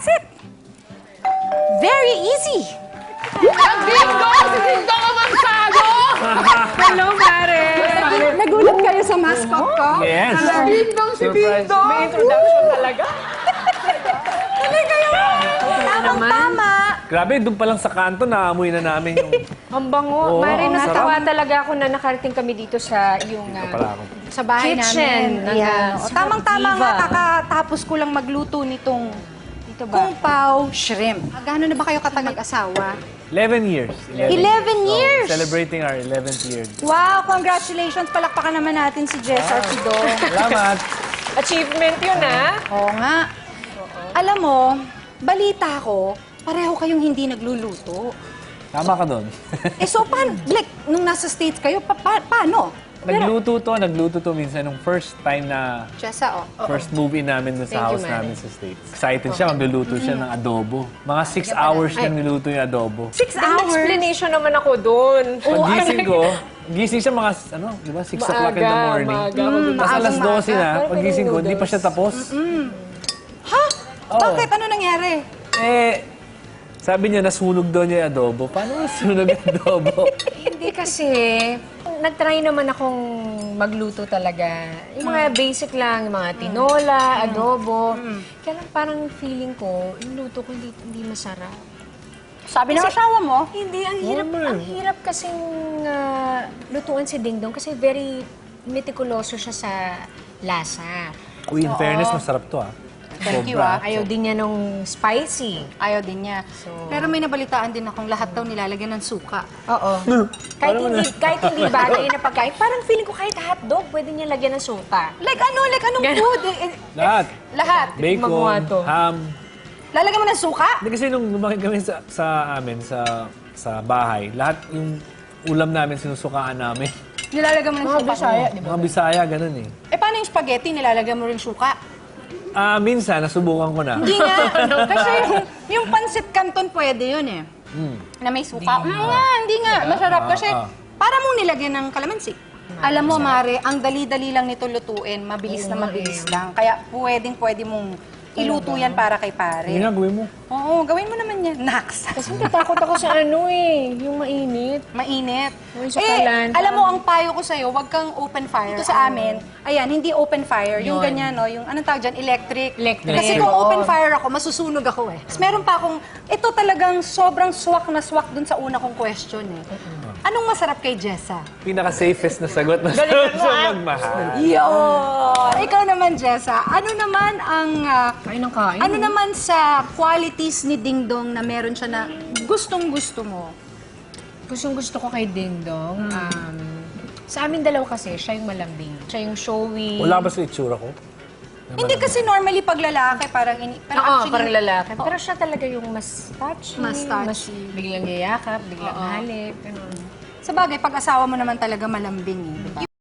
That's it. Very easy. Ding-dong! Si Ding-dong ang magsado! Hello, pare. Nagulat kayo sa mascot ko? Yes. Ding-dong si Surprise. Ding-dong! May introduction talaga. Tuloy kayo. Tamang-tama. Grabe, doon pa lang sa kanto, naamoy na namin yung... Ang bango. Oo, Mare, ang natawa sarap. talaga ako na nakarating kami dito sa yung Dito pala ako. Sa bahay kitchen namin. ng Ayan. Tamang-tama Diva. nga, kakatapos ko lang magluto nitong Dito ba? kung pao shrimp. Gano'n na ba kayo katagal asawa? 11 years. 11 years? Celebrating our 11th year. Wow, congratulations. Palakpakan naman natin si Jess Arpido. Salamat. Achievement yun, ah. Oo nga. Alam mo, balita ko, pareho kayong hindi nagluluto. Tama ka doon. So, paano? Like, nung nasa States kayo, paano? Nagluto to minsan nung first time na Jessa, oh. first move-in namin dun sa Thank you, house Manny. namin sa States. Excited siya, magluluto siya ng adobo. Mga 6 hours na niluto yung adobo. 6 May hours? explanation naman ako doon. Pag-gising ko, gising siya mga, di ba, 6 o'clock in the morning. Tapos alas 12 na, pag-gising ko, hindi pa siya tapos. Ha? Oo. Bakit? Ano nangyari? Sabi niya, nasunog daw niya yung adobo. Paano nasunog yung adobo? Hindi kasi, nag-try naman akong magluto talaga. Yung mga basic lang, yung mga tinola, adobo. Kaya lang parang feeling ko, yung luto ko hindi masarap. Sabi ng asawa mo? Hindi, Normal. ang hirap kasing lutuan si Dingdong kasi very meticuloso siya sa lasa. Uy, in fairness, masarap to Thank you, Sobra. Ayaw din niya nung spicy. Ayaw din niya. So- Pero may nabalitaan din akong lahat daw nilalagyan ng suka. Oo. kahit hindi bagay na pagkain, parang feeling ko kahit hotdog, pwede niya lagyan ng suka. Like anong Ganon. food? Lahat. Lahat. Gumawa Bacon, to. ham. Lalagyan mo ng suka? Hindi kasi nung lumaki kami sa amin, sa bahay, lahat yung ulam namin, sinusukaan namin. Nilalagyan mo ng Mga suka. Bisaya, mo. di ba? Mga Bisaya, ganun eh. Paano yung spaghetti? Nilalagyan mo rin suka? Minsan, nasubukan ko na. Hindi nga. Kasi yung pancit canton pwede yun eh. Na may suka. Hindi nga. Masarap kasi para mong nilagyan ng kalamansi. Alam mo, Mare, ang dali-dali lang nito lutuin. Mabilis na mabilis lang. Kaya pwede mong iluto yan para kay pare. Hindi na, gawin mo. Oo, gawin mo naman yan. Nax. Kasi natatakot ako sa yung mainit. Mainit. Yung sa kalan, alam mo, ang payo ko sa'yo, wag kang open fire. Ito sa amin, ayan, hindi open fire. Yung Yun. ganyan, no? Yung anong tawag dyan? Electric. Electric. Kasi kung open fire ako, masusunog ako eh. Tapos meron pa akong, ito talagang sobrang swak na swak dun sa una kong question eh. Anong masarap kay Jessa? Pinaka-safest na sagot na sa magmahal. Yun! Ikaw naman, Jessa, ano naman ang... Kain ng kain. ano naman sa qualities ni Dingdong na meron siya na gustong-gusto mo? Gusto ko kay Dingdong. Sa amin dalawa kasi, siya yung malambing. Siya yung showy. Wala ba sa itsura ko? Hindi kasi normally pag lalaki parang pero Oo, actually parang lalaki. Pero siya talaga yung mas touchy. Mas touchy. Biglang yayakap, biglang halip. Ganun. sa bagay pag asawa mo naman talaga malambing eh, di ba?